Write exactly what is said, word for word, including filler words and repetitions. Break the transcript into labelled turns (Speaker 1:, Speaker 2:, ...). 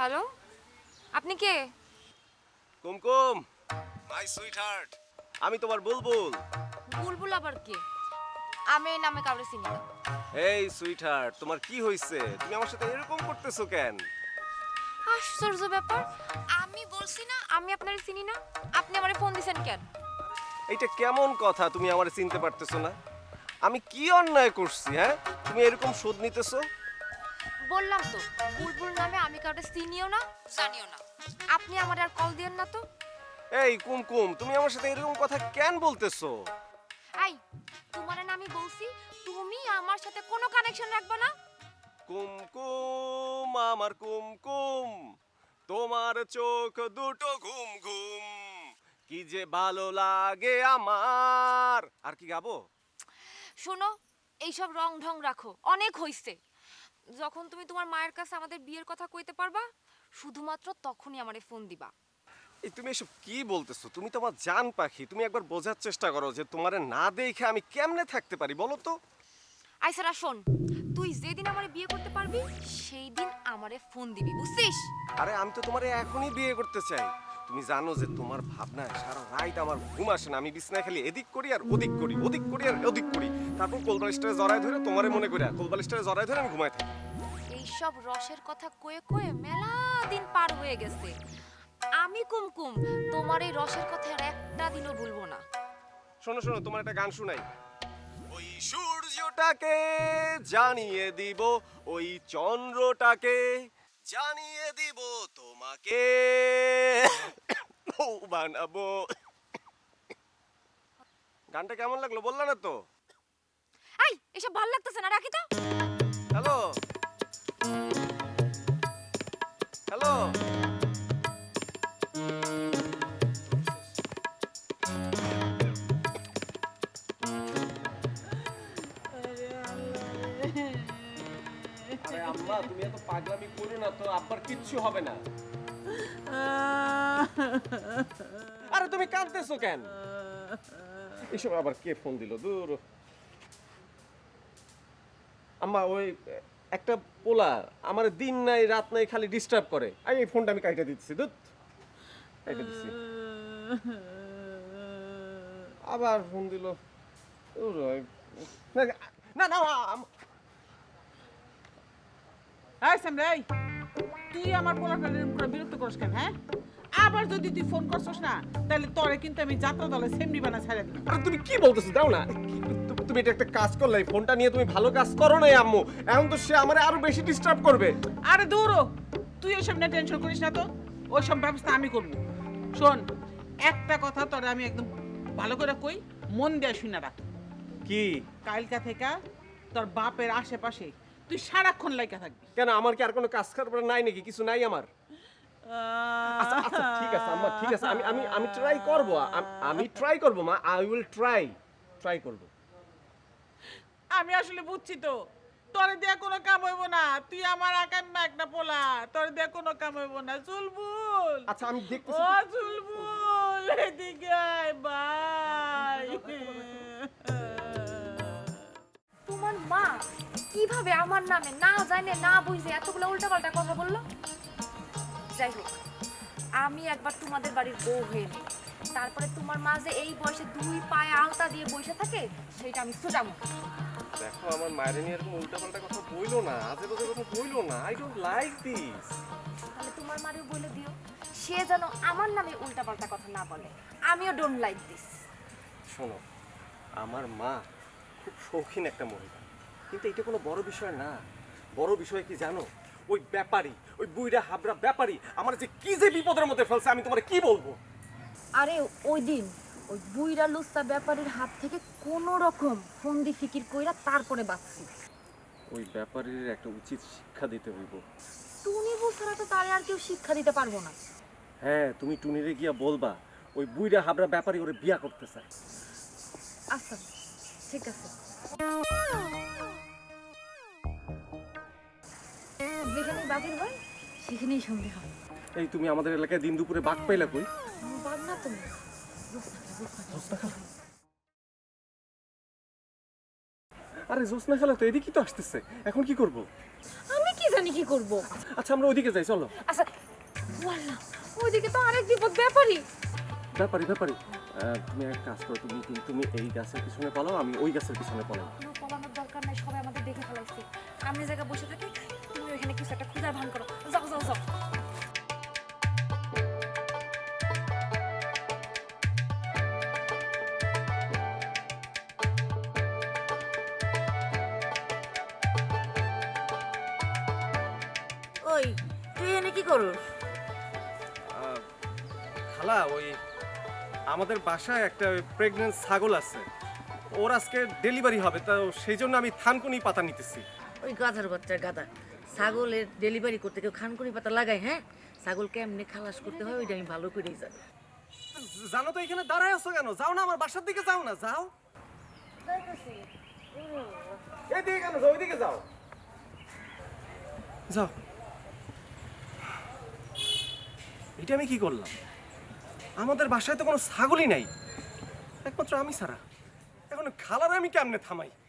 Speaker 1: Hello, আপনি কে?
Speaker 2: কুমকুম, my sweet heart, আমি তোমার বুলবুল।
Speaker 1: বুলবুল আবার কে? আমি এই নামে কাউরে চিনি না।
Speaker 2: এই সুইট হার্ট, তোমার কি হয়েছে? তুমি আমার সাথে এরকম করতেছো কেন?
Speaker 1: আশ্চর্য ব্যাপার, আমি বলছি না আমি আপনারে চিনি না, আপনি আমারে ফোন দিছেন কেন?
Speaker 2: এইটা কেমন কথা? তুমি আমার চিনতে পারতেছো না? আমি কি অন্যায় করছি? হ্যাঁ, তুমি এরকম শোধ নিতেছো?
Speaker 1: বললাম তো, বুলবুল নামে আমি কাউরে চিনিও না জানিও না। আপনি আমার আর কল দিয়েন না তো।
Speaker 2: এই কুমকুম, তুমি আমার সাথে এরকম কথা কেন বলতেছো?
Speaker 1: এই, তোমারে না আমি বলছি তুমি আমার সাথে কোনো কানেকশন রাখবে না।
Speaker 2: কুমকুম, আমার কুমকুম, তোমার চোখ দুটো ঘুম ঘুম, কি যে ভালো লাগে আমার। আর কি গাবো?
Speaker 1: শোনো, এইসব রং ঢং রাখো, অনেক হইছে। যখন তুমি তোমার মায়ের কাছে আমাদের বিয়ের কথা কইতে পারবা, শুধুমাত্র তখনই আমারে ফোন দিবা।
Speaker 2: এই তুমি এসব কি বলতেছো? তুমি তো আমার জান পাখি, তুমি একবার বোঝার চেষ্টা করো যে তোমারে না দেখে আমি কেমনে থাকতে পারি বলো তো।
Speaker 1: আইসারা শোন, তুই যেদিন আমারে বিয়ে করতে পারবি সেই দিন আমারে ফোন দিবি, বুঝছিস?
Speaker 2: আরে আমি তো তোমারে এখনই বিয়ে করতে চাই। তুমি জানো যে তোমার ভাবনায় সারা রাত আমার ঘুম আসে না। আমি বিছনায় খালি এদিক করি আর ওদিক করি, ওদিক করি আর ওদিক করি, তারপর কোলবালিশটারে জড়ায় ধরে তোমারে মনে করি, কোলবালিশটারে জড়ায় ধরে আমি ঘুমায় থাকি।
Speaker 1: এইসব রসের কথা কয়ে কয়ে মেলা দিন পার হয়ে গেছে। আমি কুমকুম তোমার এই রসের কথা আর একটা দিনও ভুলবো না।
Speaker 2: শোনো শোনো, তোমার একটা গান শুনাই। ওই সূর্যটাকে জানিয়ে দিব, ওই চন্দ্রটাকে জানিয়ে দিব, তোমাকে বউ বানাবো। গানটা কেমন লাগলো বললা না তো?
Speaker 1: এই, এসব ভাল লাগতেছে না, রাখি তো।
Speaker 2: হ্যালো হ্যালো, আরে আম্মা তুমি এত পাগলামি করো না তো, আব্বার কিচ্ছু হবে না। আরে তুমি কাঁদতেছো কেন? এসব আবার কে ফোন দিল? দূর। আম্মা ওই একটা পোলা আমার দিন নাই রাত নাই খালি ডিস্টার্ব করে। আমি এই ফোনটা আমি কাইটা দিচ্ছি, দুধ কাইটা দিচ্ছি। আবার ফোন দিল। দূর, ওই- না না আম-
Speaker 3: এই সামনে, এই তুই আমার পোলাটার উপরে বিরক্ত করিস কেন? হ্যাঁ, আবার যদি তুই ফোন করছস না তাহলে তোরে কিন্তু আমি যাত্রা দলে সেমনি বানা ছাড়ে দিই।
Speaker 2: আরে তুমি কি বলতেছো? দাও না। তু- তুমি এটা একটা কাজ করলে, এই ফোনটা নিয়ে তুমি ভালো কাজ করো নাই আম্মু। এখন তো সে আমারে আরো বেশি ডিস্টার্ব করবে।
Speaker 3: আরে দৌড়ো, তুই ওইসব নিয়ে টেনশন করিস না তো, ওইসব ব্যবস্থা আমি করবো। শোন, একটা কথা তোরে আমি একদম ভালো করে কই, মন দিয়ে শুনে রাখ।
Speaker 2: কি?
Speaker 3: কালকা থেকে তোর বাপের আশেপাশে তুই সারাক্ষণ লাইকা থাকবি।
Speaker 2: কেন, আমার কি আর কোনো কাজ করার নাই নাকি? কিছু নাই আমার? আচ্ছা আচ্ছা ঠিক আছে আম্মা, ঠিক আছে, আমি আমি আমি ট্রাই করব, আমি ট্রাই করব মা, আই উইল ট্রাই ট্রাই করব।
Speaker 3: আমি আসলে বুঝছি তো, তোরে দিয়ে কোনো কাম হইব না, তুই আমার আকাম্মা একটা পোলা, তোরে দিয়ে কোনো কাম হইব না। চুলবুল,
Speaker 2: আচ্ছা আমি দেখতেছি।
Speaker 3: ও চুলবুল, এদিকে আয় ভাই।
Speaker 1: তোমার মা কিভাবে আমার নামে না জানে না বুঝে এতগুলো উল্টাপাল্টা কথা বললো? যাই হোক, আমি একবার তোমাদের বাড়ির বউ হয়ে নিই, তারপরে তোমার মা যে এই বয়সে দুই পায়ে আলতা দিয়ে বসে থাকে সেটা আমি সোজামো।
Speaker 2: দেখো, আমার মায়ের নিয়ে এরকম উল্টাপাল্টা কথা বইলো না, আজে বাজে কথা বইলো না। I don't like this.
Speaker 1: তাহলে তোমার মারেও বলে দিও সে যেন আমার নামে উল্টাপাল্টা কথা না বলে। আমিও ডোন্ট লাইক দিস।
Speaker 2: শোনো, আমার মা খুব শৌখিন একটা মহিলা, কিন্তু এটা কোনো বড় বিষয় না। বড় বিষয় কি জানো? ওই ব্যাপারী, ওই বুইড়া হাবড়া ব্যাপারী আমার যে কি যে বিপদের মধ্যে ফেলছে, আমি তোমারে কি বলবো।
Speaker 1: আরে ওই দিন ওই বুইরা লুচ্চা ব্যাপারীর হাত থেকে কোনো রকম ফন্দি ফিকির কইরা তারপরে বাঁচছি।
Speaker 2: ওই ব্যাপারীর একটা উচিত শিক্ষা দিতে হইব।
Speaker 1: টুনি বউ ছাড়া তো তারে আর কেউ শিক্ষা দিতে পারবো না।
Speaker 2: হ্যাঁ, তুমি টুনিরে গিয়া বলবা ওই বুইড়া হাবড়া ব্যাপারী ওরে বিয়া করতে চায়।
Speaker 1: আচ্ছা ঠিক আছে, যেখানেই বাঘের হয় সেখানেই সন্ধে হয়।
Speaker 2: এই তুমি আমাদের এলাকায় দিন দুপুরে বাঘ পাইলা কই?
Speaker 1: বাঘ না তুমি,
Speaker 2: আরে জোসনা খালা তো এদিকেই তো আসতেছে, এখন কি করব?
Speaker 1: আমি কি জানি জানি কি করব।
Speaker 2: আচ্ছা আমরা ওইদিকে যাই চলো।
Speaker 1: আচ্ছা ওয়াল্লাহ ওইদিকে তো আরেক বিপদ ব্যাপারই।
Speaker 2: ব্যাপারি ব্যাপারি আহ, তুমি এক কাজ করো, তুমি কিন্তু তুমি এই গাছের পিছনে পালাও, আমি ওই গাছের পিছনে পালাও।
Speaker 1: কোনো পলানোর দরকার নাই, সবাই আমাদের দেখে ফেলাইছে। আমি এই জায়গায় বসে থাকি, তুমি ওইখানে কিছু একটা খুঁজার ভান করো। যাও যাও যাও।
Speaker 4: ওই তুই এনে কি করস?
Speaker 2: আহ, খালা ওই আমাদের বাসায় একটা প্রেগনেন্ট ছাগল আছে, ওর আজকে ডেলিভারি হবে, তো সেই জন্য আমি থানকুনি পাতা নিতেছি।
Speaker 4: ওই গাধার বাচ্চা গাধা, ছাগলের ডেলিভারি করতে কেউ খানকুনি পাতা লাগায়? হ্যাঁ, ছাগল কেমনে খালাস করতে হয় ওইটা আমি ভালো করেই জানি।
Speaker 2: জানো তো এখানে দাঁড়ায় আছো কেন? যাও না আমার বাসার দিকে, যাও না, যাও। এদিকে কেন যাও? ওইদিকে যাও, যাও। এটা আমি কি করলাম? আমাদের বাসায় তো কোনো ছাগলই নাই, একমাত্র আমি ছাড়া। এখন খালার আমি কেমনে থামাই?